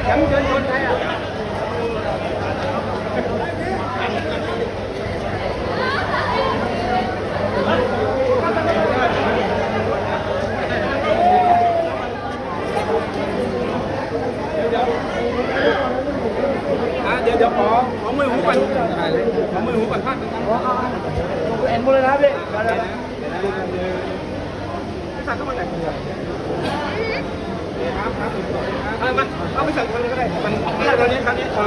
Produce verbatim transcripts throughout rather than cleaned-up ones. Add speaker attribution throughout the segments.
Speaker 1: แชมป์เชิญชวนใครอ่ะเดี๋ยวเดี๋ยวขอขอมือหูก่อนขอมือหูก่อนพลาดกันเอ็นบุเลยนะพี่สั่งเข้ามาไหนครับครับเอามาเอาไปสั่งคนนึงก็ได้มันนี่ตอนนี้ครั้งนี้อ่า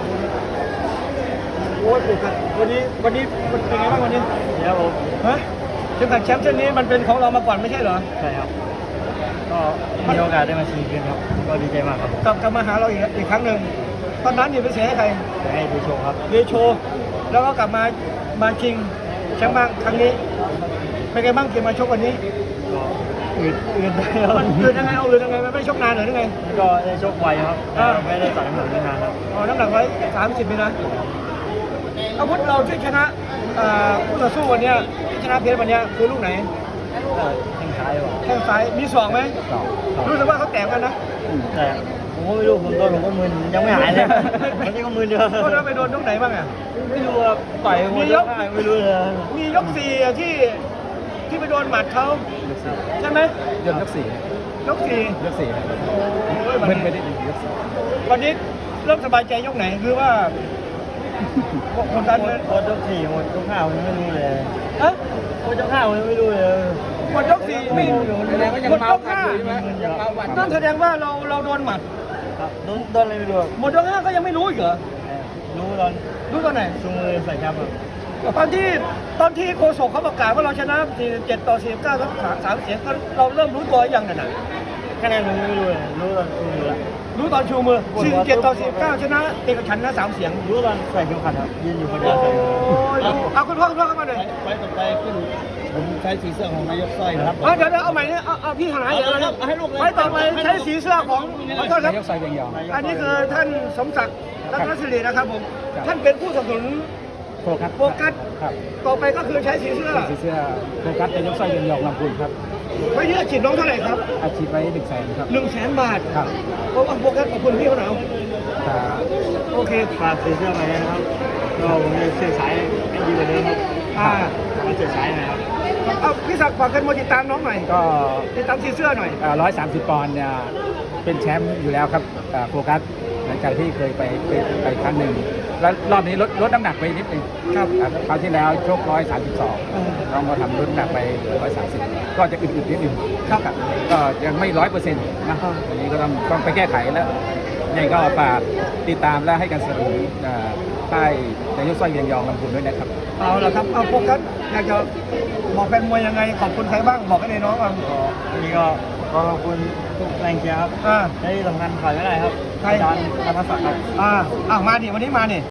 Speaker 1: โอ้ยวันนี้วันนี้มันเป็นไงบ้างวันนี้เดี๋ยวผมฮะเข็มขัดแชมป์เส้นนี้มันเป็นของเรามาก่อนไม่ใช่เหรอใช่ครับก็มีโอกาสได้มาชิงกันครับก็ดีใจมากครับกลับกลับมาหาเราอีกอีกครั้งหนึ่งตอนนั้นอยู่ไปเสียให้ใครให้เดโชครับเดโชแล้วก็กลับมามาชิงแชมป์บ้างครั้งนี้เป็นไงบ้างเกมมาชกวันนี้อืดอืดมันอืดยังไงเอาอืดยังไงมันไม่ชกนานหรือยังไงก็ได้ชกไวครับไม่ได้ใส่น้ำหนักนานครับอ๋อน้ำหนักไว้สามสิบเลยนะอาวุธเราที่ชนะคู่ต่อสู้วันนี้ชนะเพชรวันนี้คือลูกไหนแข้งซ้ายแข้งซ้ายมีสองไหมรู้สึกว่าเขาแตกกันนะแต่ผมก็ไม่รู้ผมโดนผมก็มึนยังไม่หายเลยวันนี้ก็มึนเยอะก็เราไปโดนตรงไหนบ้างอ่ะไม่รู้ว่าต่อยมียกไม่รู้เลยมียกสี่ที่ที่ไปโดนหมัดเขาใช่ไหมยกยกสี่ยกสี่ยกสี่มึนไปนิดนึงยกสี่วันนี้เริ่มสบายใจยกไหนคือว่าคนดันเลยหมดยกสี่หมดยกห้าผมไม่รู้เลยฮะหมดยกห้าผมไม่รู้เลยหมดยกสี่ไม่รู้แสดงว่ายังเมาคันอยู่ใช่ไหมนั่นแสดงว่าเราเราโดนหมัดโดนโดนอะไรไม่รู้หมดยกห้าก็ยังไม่รู้อีกเหรอรู้ตอนรู้ตอนไหนชูมือใส่ครับตอนที่ตอนที่โฆษกเขาประกาศว่าเราชนะสี่สิบเจ็ดต่อสี่สิบเก้าทั้งสามเสียงเราเริ่มรู้ตัวยังน่ะคะแนนผมไม่รู้เลยรู้ตอนชูมือรู้ตอนชูมือสี่สิบเจ็ดต่อสี่สิบเก้าชนะเอกฉันท์นะสามเสียงรู้ตอนใส่เข็มขัดครับยืนอยู่คนเดียวเอาคุณพ่อคุณพ่อเข้ามาหน่อยไปต่อไปขึ้นผมใช้สีเสื้อของนายกสร้อยนะครับเดี๋ยวเดี๋ยวเอาใหม่เนี่ยเอาเอาพี่หายเดี๋ยวนะครับให้ลูกเลยไปต่อไปใช้สีเสื้อของขอโทษครับนายกสร้อยเบียงยองอันนี้คือท่านสมศักดิ์รัตนศิรินะครับผมท่านเป็นผู้สนับสนุนโฟกัสโฟกัสครับต่อไปก็คือใช้สีเสื้อสีเสื้อโฟกัสนายกสร้อยเบียงยองลำพูนครับไว้ที่อาชีพน้องเท่าไหร่ครับอาชีพไว้หนึ่งแสนครับหนึ่งแสนบาทครับเพราะว่าโฟกัสขอบคุณพี่เขาหนาวโอเคฝากสีเสื้อไปนะครับก็ผมจะเสื้อสายให้ดีกว่าเดิมครับอ่ามาเสื้อสายนะครับเอาพี่ศักดิ์ฝากกันมาติดตามน้องหน่อยก็ติดตามสีเสื้อหน่อยร้อยสามสิบปอนด์เนี่ยเป็นแชมป์อยู่แล้วครับโฟกัสหลังจากที่เคยไปไปไปครั้งหนึ่งแล้วรอบนี้ลดลดน้ำหนักไปนิดนึงครับคราวที่แล้วชกร้อยสามสิบสองลองมาทำลดน้ำหนักไปร้อยสามสิบก็จะอึดๆนิดนึงครับก็ยังไม่ร้อยเปอร์เซ็นต์นะอันนี้ก็ต้องต้องไปแก้ไขแล้วยังก็ฝากติดตามและให้การสนับสนุนใต้นายกสร้อยเบียงยองลำพูนด้วยนะครับเอาละครับเอาโฟกัสอยากจะบอกแฟนมวยยังไงขอบคุณใครบ้างบอกให้ในน้องบ้างอันนี้ก็ขอบคุณทุกแรงเชียร์ครับอ่าได้สำคัญขายไม่ได้ครับอาจารย์ธนศักดิ์ครับอ่าอ่ามาดิวันนี้มาดิ